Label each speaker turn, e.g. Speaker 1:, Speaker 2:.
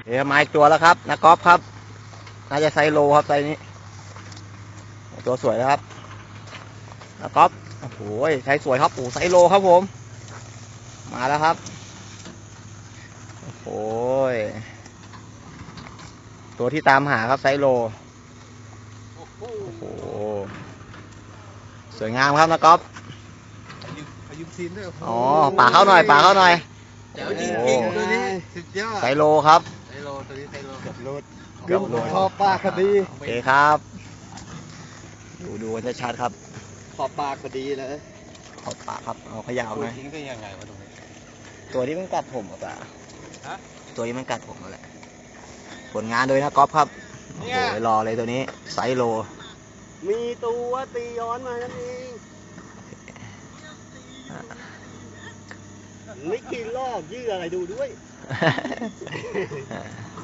Speaker 1: เดี๋ยวมาอีกตัวแล้วครับนักกอล์ฟครับน่าจะไซโลครับไซนี้ตัวสวยแล้วครับนักกอล์ฟโอ้โหไซสวยครับโอ้ไซโลครับผมมาแล้วครับโอ้โหตัวที่ตามหาครับไซโลโอ้โหสวยงามครับนักกอล์ฟ
Speaker 2: ยืมซีนด้วย
Speaker 1: อ๋อป่าเข้าหน่อยป่าเข้าหน่อย
Speaker 2: เดี๋ยวจริงๆตัวนี้สุดยอด
Speaker 1: ไซโลครับ
Speaker 2: ไซโลตัวนี้ไซโลเกือบโลด
Speaker 1: เกือบโลด
Speaker 2: ขอบปากคดี
Speaker 1: โอเคครับดูกันชัดๆครับ
Speaker 2: ขอบปากคดีเลย
Speaker 1: ขอบปากครับเอาขยาวหน่อย
Speaker 2: ทิ้งได้ยังไงวะตรงนี้
Speaker 1: ตัวที่มันกัดผมอ่ะ
Speaker 2: ฮะ
Speaker 1: ตัวที่มันกัดผมนั่นแหละผลงานโดยนักกอล์ฟครับโอ้โหรอเลยตัวนี้ไซโล
Speaker 2: มีตัวตีย้อนมานั่นเองไม่กินลอกยื้ออะไรดูด้วย